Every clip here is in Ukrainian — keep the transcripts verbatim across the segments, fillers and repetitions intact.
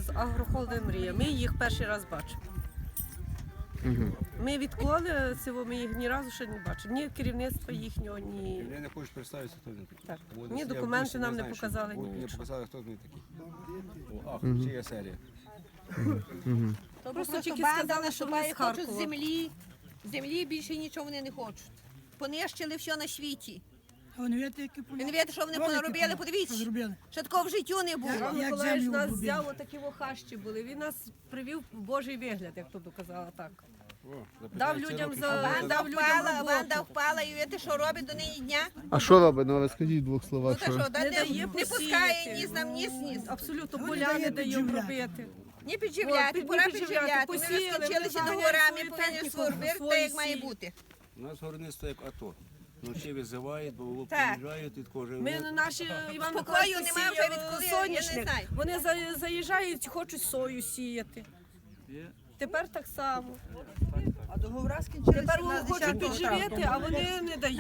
з агрохолдинг «Мрія». Ми їх перший раз бачимо. Угу. Ми відколи цього, ми їх ні разу ще не бачили. Ні керівництва їхнього, ні... Я не хочу представитися, хто він такий. Так. Вони Ні всі- документи всі нам не знаю, що- показали, ні вони Не нічого. показали, хто вони такі. О, ах, чия серія. То Просто просто тільки банда сказали, що вони наступає, з хочуть Харкова. землі. Землі більше нічого вони не хочуть. Понищили все на світі. А вони видите, які поля? Ви не видите, що вони Великі понаробили? поля. Подивіться. Що зробили? Ще такого в життю не було. Іван Як Миколаївич землю нас обробили. взяв, отакі хащі були. Він нас привів в Божий вигляд, як то доказала так. О, Дав запитайте людям роки, за- що Банда було. дав людям впала, роботу. банда впала, і видите, що робить до неї дня? А що робить? Ну розкажіть в двох Ну словах. та що, Що? да, Не не, дає не посіяти. пускає ніс нам, ніс, ніс. Абсолютно Вони поля не дає дають підживляти. робити. Не підживляти, От, пора не підживляти. підживляти. Ми Посіяли, розкочилися вони до знають горами, свою повинні техніку, сформувати, так свої як має сії. бути. У нас горництво як АТО. Вночі визивають, бо Так. приїжджають від кожного. Ми наші Іван Спокою Миколаївич нема вже сіяв відколи, я не соняшник. знаю. Вони за- заїжджають, хочуть сою сіяти. Тепер так само. А договора скінчилися Тепер в нас хочуть десятого травня. підживити, а вони не дають.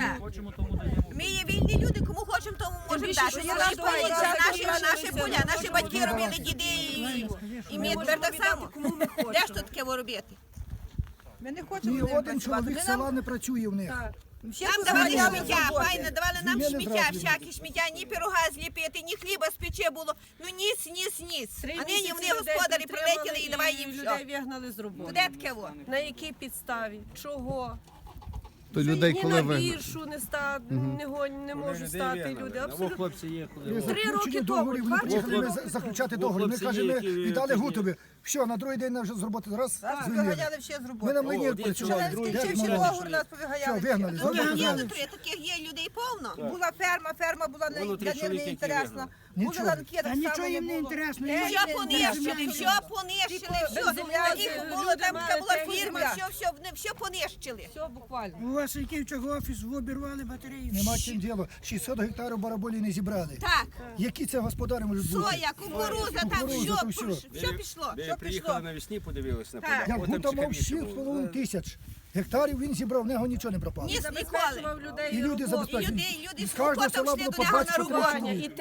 Ми є вільні люди, кому хочемо, тому можемо більше, дати. що Це я наші договори поля, наші, закінчилися, наші ми поля, наші можемо батьки віддати. робили, діди і, і ми можемо тепер так віддати, само. кому ми хочемо. Де ж тут таке робити? Ми не хочемо Ні з ним один працювати. чоловік Ми села не працює в них. Так. всі Нам давали позабирали сміття, роботи. файно, давали нам Зміни сміття, зразу всякі сміття, ні пирога зліпити, ні хліба спече було. Ну ніс, ніс, ніс. Три А нині місяці вони людей господарі підтримали прилетіли і давай їм людей все. вигнали з роботи. Куди таке во? На якій підставі? Чого? То людей Ні коли на ви. віршу не, ста... не, гонь, не можуть стати люди. Або Абсолютно. хлопці є, При коли. Три роки заключенні тому, договорів вони два приїхали роки ми тому. за- заключати О, договір. Ми хлопці кажемо, є, ми які віддали такі- Гутові. Все, на другий день вже з роботи раз Нас звільнили. виганяли всі з Ми роботи. на О, млині один працювали. чоловік, другий Як Скінчивши ми договор, нас Все, повиганяли. вигнали. Ну, Зробили є договір. внутрі, таких є людей повно. Була ферма, ферма була не, Воно три для них чоловіки, не які інтересна. вигнали. Були Нічого. ланки, Та так нічого само їм не було. інтересно. Е, їм Все не понищили, інтересно. все понищили, все. земля, Таких люди було там, мали така була техніку. фірма, все, все, вони все понищили. Все буквально. У вас який чого офіс, ви обірвали батареї. Нема чим діло. шістсот гектарів бараболі не зібрали. Так, Які це господарі можуть бути? соя, кукуруза, там Кукурудза, все, то все. все пішло. Ви приїхали навесні, подивилися на поля. Як От там Гута мав цікавіше шість з було. половиною тисяч гектарів, він зібрав, в нього нічого не пропало. Ні, ніколи. Забезпечував людей І люди роботу. І забезпечені. люди, і люди з з кожного кокотом села йшли було до по нього на двадцять роботу. чоловік. І